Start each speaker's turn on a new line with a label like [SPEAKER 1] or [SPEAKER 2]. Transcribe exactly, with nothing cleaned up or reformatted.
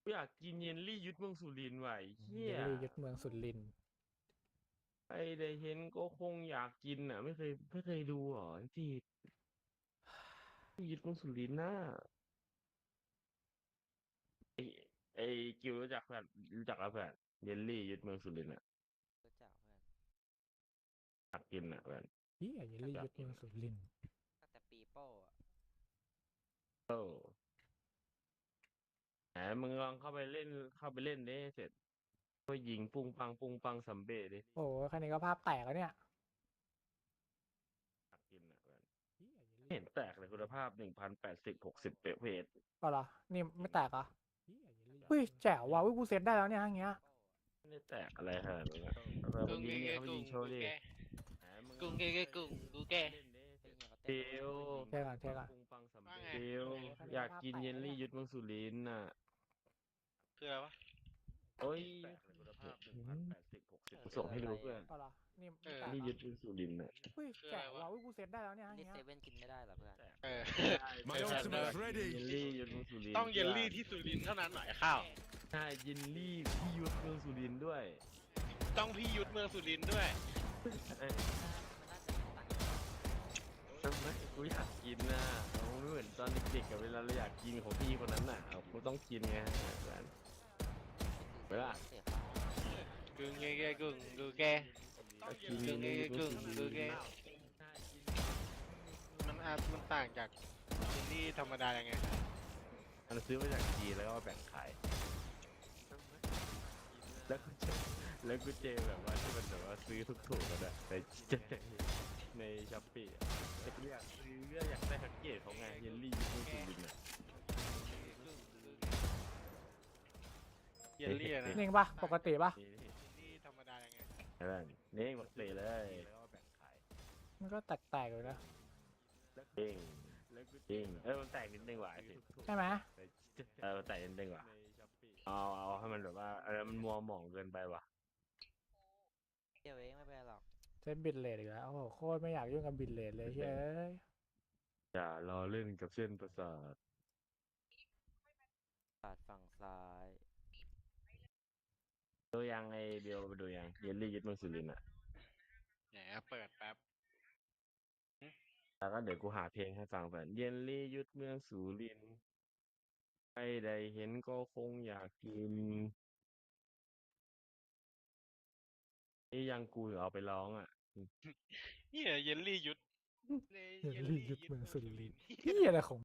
[SPEAKER 1] อยากกินเยลลี่ยุทธเมืองสุรินทร์ว่ะไอ้เฮี
[SPEAKER 2] เย
[SPEAKER 1] ย
[SPEAKER 2] ลลี่ยึดเมืองสุรินทร์
[SPEAKER 1] ไอ้ได้เห็นก็คงอยากกินอ่ะไม่เคยไม่เคยดูหรอที่ยุทธเมืองสุรินทร์น่ะไอ้ไอ้กิวรู้จักเพื่อนรู้จักแล้วเพื่อนเยลลี่ยุทธเมืองสุรินทร์อ่ะ
[SPEAKER 3] รู้จักเพื่อน
[SPEAKER 1] อยากกินอ่ะเพื่อน
[SPEAKER 2] เฮียเยลลี่ยึดเมือง
[SPEAKER 1] อยากกินอะ
[SPEAKER 2] สุรินทร์
[SPEAKER 3] ตั้งแต่ปีโป้อะ
[SPEAKER 1] โอ้แหมมึงลองเข้าไปเล่นเข้าไปเล่นดิเสร็จก็ยิงปุ้งปังปุ้งปังซัมเบ้ดิ
[SPEAKER 2] โอ้โหแค่นี้ก็ภาพแตกแล้วเนี่ย
[SPEAKER 1] อยากกินอ่ะเพื่อน
[SPEAKER 2] เฮียเยล
[SPEAKER 1] ไม่
[SPEAKER 2] ลี่
[SPEAKER 1] เห็นแตกเลยคุณภาพหนึ่งพันแปดสิบหกสิบเปเพจ
[SPEAKER 2] ก็เหรอนี่ไม่แตกเหรอ
[SPEAKER 1] เฮียเยลลี่
[SPEAKER 2] เฮ้ยแจ๋วว่ะเฮ้ยกูเซตได้แล้วเนี่ยอย่างเงี้ย
[SPEAKER 1] ไม่ได้แตกอะไรขนาดนั้นอะเราไป
[SPEAKER 4] กุ้ง
[SPEAKER 1] ยิ
[SPEAKER 4] เก
[SPEAKER 1] งเนี่ย
[SPEAKER 4] เก
[SPEAKER 1] เขาไป
[SPEAKER 4] กุ้
[SPEAKER 1] ยิ
[SPEAKER 4] ง
[SPEAKER 1] งโชว์
[SPEAKER 4] กู
[SPEAKER 1] ดิ
[SPEAKER 4] แก
[SPEAKER 1] แหมมึง
[SPEAKER 4] กุ้งเกเกกุ้งกูแก
[SPEAKER 1] เล่นดิ
[SPEAKER 3] เฮ้ยเฮียเขา
[SPEAKER 1] เท
[SPEAKER 3] เต้นแล้ว
[SPEAKER 1] ล
[SPEAKER 2] เท่ก่อนเท่ก่อน
[SPEAKER 1] ปุงปังสำ
[SPEAKER 4] ว่า
[SPEAKER 1] เร็จ
[SPEAKER 4] ไง
[SPEAKER 1] เทลอยากกินเยลลี่ยุทธเมืองสุรินทร์น่ะ
[SPEAKER 4] คืออะไรวะ
[SPEAKER 1] โอ้ยคุณภาพหนึ่งพันแปดสิบหกสิบส่งให้ดูเพื่อน
[SPEAKER 2] ก็เหรอนี่
[SPEAKER 4] เอ
[SPEAKER 2] ไม่
[SPEAKER 4] อ
[SPEAKER 2] แตก
[SPEAKER 1] นี่
[SPEAKER 2] เหร
[SPEAKER 1] ยุ
[SPEAKER 2] อ
[SPEAKER 1] ทธเมืองสุรินทร์น่ะ
[SPEAKER 2] เฮ้ย
[SPEAKER 4] คืออะไร
[SPEAKER 2] แจ๋ว
[SPEAKER 4] วะ
[SPEAKER 2] ว่ะเฮ้ยกูเซตได้แล้วเนี่ยอย่าง
[SPEAKER 3] นี่
[SPEAKER 2] เงี้ย
[SPEAKER 3] เซเว่นกินไม่ได้เหรอเพื่อน
[SPEAKER 4] เออ
[SPEAKER 5] My
[SPEAKER 4] เออ
[SPEAKER 5] ultimate
[SPEAKER 1] เย
[SPEAKER 5] ready
[SPEAKER 1] ลลี่ยุทธเมืองสุรินทร์
[SPEAKER 4] ต้องเยลลี่ที่สุรินทร์เท่านั้นหน่อยข้าว
[SPEAKER 1] ใช่เยลลี่ที่ยุทธเมืองสุรินทร์ด้วย
[SPEAKER 4] ต้องพี่ยุทธเมืองสุรินทร์ด้วย
[SPEAKER 1] เอ้ย
[SPEAKER 3] มันน่าจะต่างกัน
[SPEAKER 1] ทำไมกูอยากกินน่ะเราไม่เหมือนตอนเด็กๆกับเวลาเราอยากกินของพี่คนนั้นน่ะเรากูต้องกินไงเพื่อน เวลา
[SPEAKER 3] เสียฟ้า
[SPEAKER 4] กุ้งเกเกกุ้งกูแก
[SPEAKER 1] กิน
[SPEAKER 4] กุ้งเกเกกุ้งกูแก
[SPEAKER 1] ใช่
[SPEAKER 4] มันอาจมันต่างจากเยลลี่ธรรมดายังไง
[SPEAKER 1] มันซื้อมาจากจีนแล้วก็มาแบ่งขาย แล้วกูเจอแล้วกูเจอแบบว่าที่มันแบบว่าซื้อทุกถูกๆกันอะในในช้อปปี้อะแต่กูอยากซื้อก็อยากได้แพ็กเกจของไงเยลลี่ยูทูบสุรินทร์อะ
[SPEAKER 4] เยลลี่อะนะ
[SPEAKER 2] นิ่งปะปกติปะ
[SPEAKER 1] นี่นี่
[SPEAKER 4] เยลลี่ธรรมดายังไง
[SPEAKER 1] เห็นไหมนี่หมดเลยเลยแล้วก็แบ่งขาย
[SPEAKER 2] มันก็แตกๆอยู่นะ
[SPEAKER 1] จริงจริงเออมันแตกนิดนึงว่ะไอ้สิ
[SPEAKER 2] ใช่ไหม
[SPEAKER 1] เออมันแตกนิดนึงว่ะเอาเอาให้มันแบบว่าเออมันมัวหมองเกินไปว่ะ
[SPEAKER 3] เดี๋ยวเองไม่เป็นไรหรอก
[SPEAKER 2] เซตบิตเลทอีกแล้วโอ้โหโคตรไม่อยากยุ่งกับบิตเลทเลยเฮ้ย
[SPEAKER 1] อย่ารอเล่นกับเส้นประสาท
[SPEAKER 3] ปาดฝั่งซ้าย
[SPEAKER 1] ดูยังไอเบลไปดูยังเยลลี่ยึดเมืองสุรินทร์อ่ะ
[SPEAKER 4] แหมเปิดแป๊บ
[SPEAKER 1] แล้วก็เดี๋ยวกูหาเพลงให้ฟังแบบเยลลี่ยึดเมืองสุรินทร์ใครได้เห็นก็คงอยากกินนี่ยังกูเอาไปร้องอ่ะ
[SPEAKER 4] เฮียเยลลี่ยุทธ
[SPEAKER 2] เยลลี่ยึดเมืองสุรินทร์เฮียอะไรของ